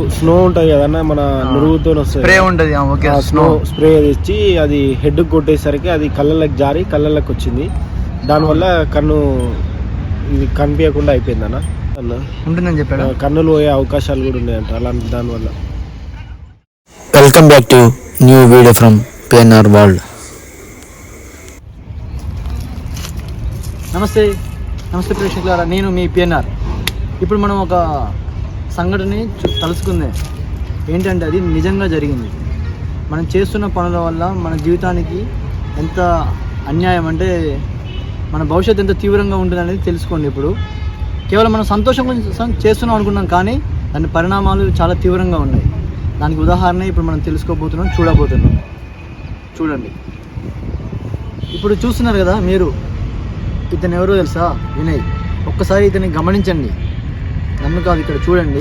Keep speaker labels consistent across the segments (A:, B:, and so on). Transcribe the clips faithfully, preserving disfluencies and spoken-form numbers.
A: Snow ఉంటుంది కదన్నా, మన నురుగుతో
B: స్ప్రే ఉంటుంది,
A: స్నో స్ప్రే తెచ్చి అది హెడ్ కొట్టేసరికి అది కళ్ళకి జారి కళ్ళకి వచ్చింది. దానివల్ల కన్ను ఇది కనిపించకుండా అయిపోయింది అన్న అన్న
B: ఉంటుందని చెప్పాడు.
A: కన్నులు పోయే అవకాశాలు కూడా ఉన్నాయంట అలాంటి దానివల్ల.
C: Welcome back to new video from PNR world.
B: నమస్తే నమస్తే ప్రేక్షకులారా, నేను మీ పిఎన్ఆర్. ఇప్పుడు మనం ఒక సంఘటనని తలుసుకుందే. ఏంటంటే అది నిజంగా జరిగింది. మనం చేస్తున్న పనుల వల్ల మన జీవితానికి ఎంత అన్యాయం అంటే మన భవిష్యత్తు ఎంత తీవ్రంగా ఉంటుంది అనేది తెలుసుకోండి. ఇప్పుడు కేవలం మనం సంతోషం కోసం చేస్తున్నాం అనుకున్నాం, కానీ దాని పరిణామాలు చాలా తీవ్రంగా ఉన్నాయి. దానికి ఉదాహరణ ఇప్పుడు మనం తెలుసుకోబోతున్నాం, చూడబోతున్నాం. చూడండి, ఇప్పుడు చూస్తున్నారు కదా మీరు, ఇతను ఎవరో తెలుసా? వినయ్. ఒక్కసారి ఇతన్ని గమనించండి, నన్ను కాదు, ఇక్కడ చూడండి.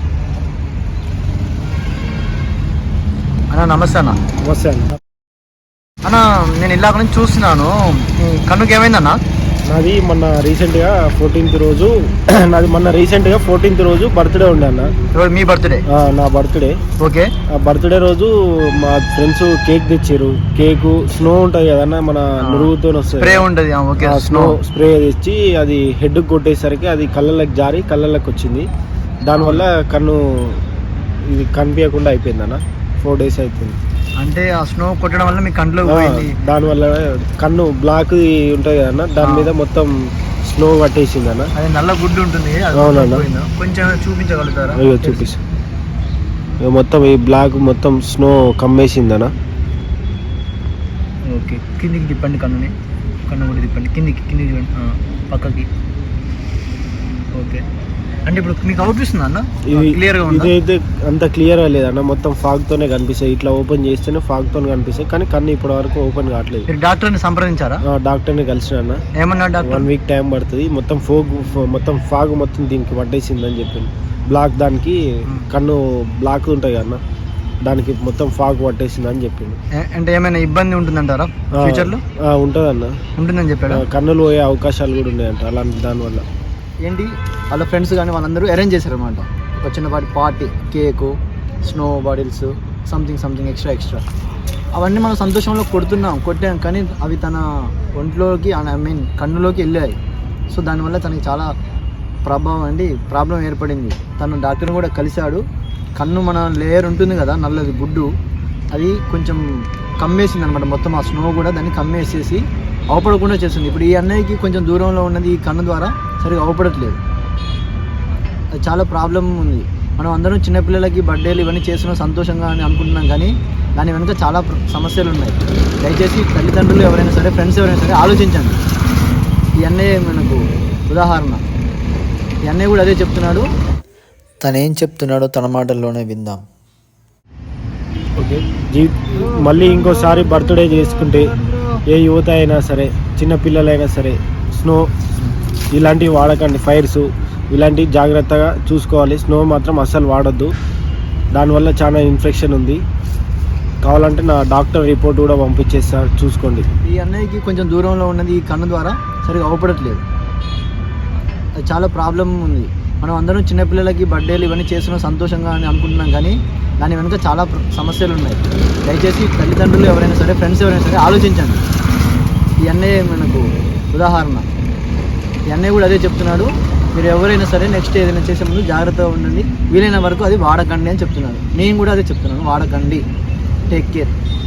B: అన్న నమస్తే అన్న.
A: నమస్తే అన్న.
B: అన్న నేను ఇలాగ నుంచి చూస్తున్నాను, కన్నుకి ఏమైందన్న?
A: నాది మొన్న రీసెంట్గా ఫోర్టీన్త్ రోజు నాది మొన్న రీసెంట్గా ఫోర్టీన్త్ రోజు బర్త్డే ఉండే అన్న.
B: మీ బర్త్డే?
A: నా బర్త్డే.
B: ఓకే.
A: ఆ బర్త్డే రోజు మా ఫ్రెండ్స్ కేక్ తెచ్చారు. కేక్ స్నో ఉంటుంది కదన్నా, మన నురుగుతో
B: స్ప్రే ఉంటుంది,
A: స్నో స్ప్రే తెచ్చి అది హెడ్ కొట్టేసరికి అది కళ్ళకి జారి కళ్ళకి వచ్చింది. దానివల్ల కన్ను ఇది కనిపించకుండా అయిపోయింది అన్న. ఫోర్ డేస్ అవుతుంది.
B: అంటే ఆ స్నో కొట్టడం వల్ల మీ కంట్లో పోయింది.
A: దానివల్ల కన్ను బ్లాక్ ఉంటుంది కదన్నా, దాని మీద మొత్తం స్నో పట్టేసింది అన్న.
B: అది నల్ల గుడ్డు ఉంటుంది.
A: అవునన్నా,
B: కొంచెం చూపించగలుగుతారా?
A: అయ్యో చూపిస్తా. మొత్తం ఈ బ్లాక్ మొత్తం స్నో కమ్మేసింది అన్న.
B: ఓకే, కిందికి తిప్పండి కన్నుని. కన్ను కూడా తిప్పండి కిందికి, కిందికి పక్కకి. ఓకే, అంటే ఇప్పుడు మీకు అవుపిస్తుందా అన్న? క్లియర్గా ఉంది.
A: ఇదైతే అంత క్లియర్గా లేదన్న, మొత్తం ఫాగ్ తోనే కనిపిస్తాయి. ఇట్లా ఓపెన్ చేస్తేనే ఫాగ్ తోనే కనిపిస్తాయి, కానీ కన్ను ఇప్పటి వరకు ఓపెన్ కావట్లేదు.
B: మీరు డాక్టర్ని సంప్రదించారా?
A: డాక్టర్ని కలిసిన అన్న.
B: ఏమన్నా డాక్టర్?
A: వన్ వీక్ టైం పడుతుంది. మొత్తం ఫోగ్ మొత్తం ఫాగ్ మొత్తం దీనికి పట్టేసిందని చెప్పింది. బ్లాక్ దానికి కన్ను బ్లాక్ ఉంటుంది అన్న, దానికి మొత్తం ఫాగ్ పట్టేసింది అని చెప్పింది.
B: అంటే ఏమైనా ఇబ్బంది ఉంటుందంటారా ఫ్యూచర్లో?
A: ఉంటుంది అన్న,
B: ఉంటుందని చెప్పాడు.
A: కన్నులు పోయే అవకాశాలు కూడా ఉన్నాయంట అలాంటి దానివల్ల.
B: ఏంటి వాళ్ళ ఫ్రెండ్స్ కానీ వాళ్ళందరూ అరేంజ్ చేశారనమాట ఒక చిన్నపాటి party, cake, snow bottles, something something extra extra అవన్నీ మనం సంతోషంలో కొడుతున్నాం, కొట్టాం, కానీ అవి తన ఒంట్లోకి, ఐ మీన్ కన్నులోకి వెళ్ళాయి. సో దానివల్ల తనకి చాలా ప్రభావం అండి ప్రాబ్లం ఏర్పడింది. తను డాక్టర్ని కూడా కలిశాడు. కన్ను మన లేయర్ ఉంటుంది కదా నల్లది గుడ్డు, అది కొంచెం కమ్మేసింది అనమాట. మొత్తం ఆ స్నో కూడా దాన్ని కమ్మేసేసి అవపడకుండా చేస్తుంది. ఇప్పుడు ఈ అన్నయ్యకి కొంచెం దూరంలో ఉన్నది ఈ కన్ను ద్వారా సరిగా అవపడట్లేదు. అది చాలా ప్రాబ్లం ఉంది. మనం అందరం చిన్నపిల్లలకి బర్త్డేలు ఇవన్నీ చేస్తున్నాం సంతోషంగా అని అనుకుంటున్నాం, కానీ దాని వెనుక చాలా సమస్యలు ఉన్నాయి. దయచేసి తల్లిదండ్రులు ఎవరైనా సరే, ఫ్రెండ్స్ ఎవరైనా సరే ఆలోచించండి. ఈ అన్నయ్య మనకు ఉదాహరణ. ఈ అన్నయ్య కూడా అదే చెప్తున్నాడు.
C: తనేం చెప్తున్నాడో తన మాటల్లోనే విందాం.
A: ఓకే, జీ మళ్ళీ ఇంకోసారి బర్త్డే చేసుకుంటే ఏ యువత అయినా సరే, చిన్న పిల్లలైనా సరే, స్నో ఇలాంటివి వాడకండి. ఫైర్స్ ఇలాంటివి జాగ్రత్తగా చూసుకోవాలి. స్నో మాత్రం అస్సలు వాడొద్దు, దానివల్ల చాలా ఇన్ఫెక్షన్ ఉంది. కావాలంటే నా డాక్టర్ రిపోర్ట్ కూడా పంపించేస్తా, చూసుకోండి.
B: ఈ అన్నయ్యకి కొంచెం దూరంలో ఉన్నది ఈ కన్ను ద్వారా సరిగా అవపడట్లేదు. అది చాలా ప్రాబ్లం ఉంది. మనం అందరం చిన్నపిల్లలకి బర్త్డేలు ఇవన్నీ చేస్తున్నాం సంతోషంగా అని అనుకుంటున్నాం, కానీ దాని వెనుక చాలా సమస్యలు ఉన్నాయి. దయచేసి తల్లిదండ్రులు ఎవరైనా సరే, ఫ్రెండ్స్ ఎవరైనా సరే ఆలోచించండి. ఈ అన్నయ్య మనకు ఉదాహరణ. ఈ అన్నయ్య కూడా అదే చెప్తున్నాడు. మీరు ఎవరైనా సరే నెక్స్ట్ ఏదైనా చేసే ముందు జాగ్రత్తగా ఉండండి, వీలైన వరకు అది వాడకండి అని చెప్తున్నాడు. నేను కూడా అదే చెప్తున్నాను, వాడకండి. Take care.